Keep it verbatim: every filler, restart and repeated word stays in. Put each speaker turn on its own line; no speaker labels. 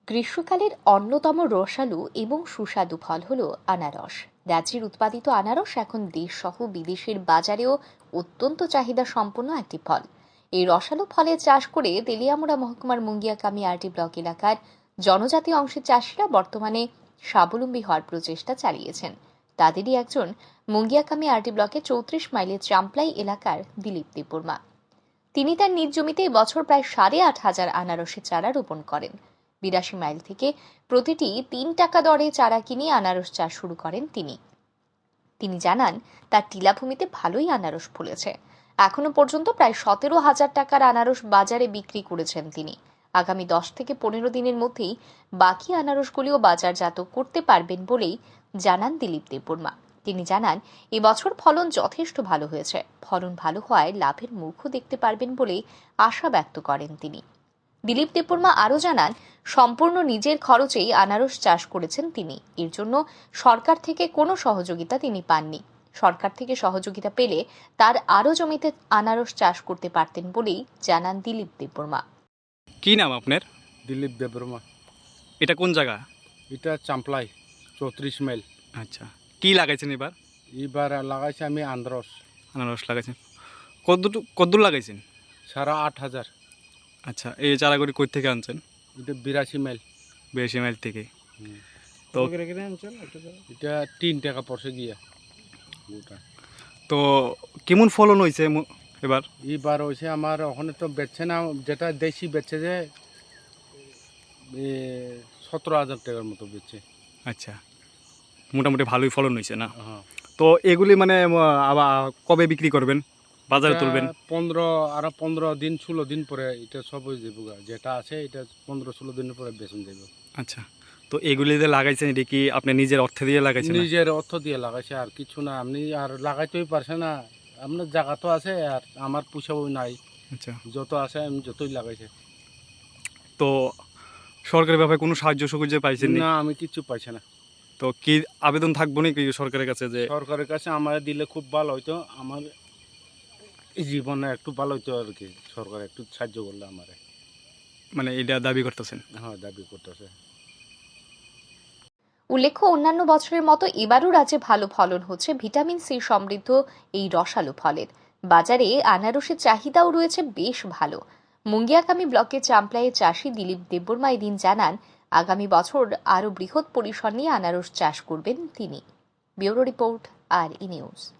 গ্রীষ্মকালের অন্যতম রসালো এবং সুস্বাদু ফল হল আনারস। রাজ্যের উৎপাদিত আনারস এখন দেশ সহ বিদেশের বাজারেও অত্যন্ত চাহিদা সম্পন্ন একটি ফল। এই রসালো ফলের চাষ করে তেলিয়ামুড়া মহকুমার মুঙ্গিয়াকামি আরটি ব্লক এলাকার জনজাতি অংশের চাষিরা বর্তমানে স্বাবলম্বী হওয়ার প্রচেষ্টা চালিয়েছেন। তাদেরই একজন মুঙ্গিয়াকামি আরটি ব্লকের চৌত্রিশ মাইলের চাম্পলাই এলাকার দিলীপ দেববর্মা। তিনি তার নিজ জমিতে এবছর প্রায় সাড়ে আট হাজার আনারসের চারা রোপণ করেন। বিরাশি মাইল থেকে প্রতিটি তিন টাকা দরে চারা কিনে আনারস চাষ শুরু করেন তিনি। তিনি জানান তার টিলাভূমিতে ভালোই আনারস ফলেছে। এখনো পর্যন্ত প্রায় সতেরো হাজার টাকার আনারস বাজারে বিক্রি করেছেন তিনি। আগামী দশ থেকে পনেরো দিনের মধ্যেই বাকি আনারসগুলিও বাজারজাত করতে পারবেন বলেই জানান দিলীপ দেববর্মা। তিনি জানান এবছর ফলন যথেষ্ট ভালো হয়েছে। ফলন ভালো হওয়ায় লাভের মুখও দেখতে পারবেন বলে আশা ব্যক্ত করেন তিনি। দিলীপ দেববর্মা আরও জানান, সম্পূর্ণ নিজের খরচেই আনারস চাষ করেছেন তিনি। এর জন্য সরকার থেকে কোনো সহযোগিতা তিনি পাননি। সরকার থেকে সহযোগিতা পেলে তার আরও জমিতে আনারস চাষ করতে পারতেন বলেই জানান দিলীপ দেববর্মা।
কি নাম আপনার?
দিলীপ দেববর্মা।
এটা কোন জায়গা?
এটা চাম্পলাই চৌত্রিশ মাইল।
আচ্ছা, কি লাগাইছেন এবার?
এবার লাগাইছি আমি আনারস।
আনারস লাগাইছেন কদ্দুর কদ্দুর লাগাইছেন?
সারা আট হাজার।
আচ্ছা, এই চারাগুলি কই থেকে আনছেন?
এটা বিরাশি মাইল।
বিরাশি মাইল থেকে। তো
এটা তিন টাকা পড়ছে গিয়া গোটা।
তো কেমন ফলন হয়েছে এবার?
এবার হয়েছে আমার ওখানে তো বেচছে না, যেটা দেশি বেচছে যে সতেরো হাজার টাকার মতো বেচছে।
আচ্ছা, মোটামুটি ভালোই ফলন হয়েছে না?
হ্যাঁ।
তো এগুলি মানে আবার কবে বিক্রি করবেন, বাজারে তুলবেন?
পনেরো আরো পনেরো দিন ষোলো দিন পরে এটা সব হয়ে যাবো, যেটা আছে এটা পনেরো ষোলো দিনের পরে বেচন যাবে।
আচ্ছা, তো এগুলি যে লাগাইছেন এটা কি আপনি নিজের অর্থ দিয়ে লাগাইছেন?
নিজের অর্থ দিয়ে লাগাইছে, আর কিছু না। আপনি আর লাগাইতেই পারছে না, আপনার জায়গা তো আছে আর আমার পুষাবো নাই।
আচ্ছা,
যত আছে আমি যতই লাগাইছে।
তো সরকারের ব্যাপারে কোনো সাহায্য সুবিধা পাইছেন
না, আমি কিছু পাইছি না।
তো কি আবেদন থাকবো নাকি সরকারের কাছে যে
সরকারের কাছে আমার দিলে খুব ভালো হইতো, আমার জীবনে একটু ভালো হইতো আর কি, সরকার একটু সাহায্য করলে আমার।
মানে এটা দাবি করতেছেন?
হ্যাঁ, দাবি করতেছে।
উল্লেখ্য, অন্যান্য বছরের মতো এবারও রাজ্যে ভালো ফলন হচ্ছে ভিটামিন সি সমৃদ্ধ এই রসালো ফলের। বাজারে আনারসের চাহিদাও রয়েছে বেশ ভালো। মুঙ্গিয়াকামি ব্লকের চাম্পলাইয়ের চাষি দিলীপ দেববর্মা এদিন জানান, আগামী বছর আরও বৃহৎ পরিসর নিয়ে আনারস চাষ করবেন তিনি। ব্যুরো রিপোর্ট, আর ই নিউজ।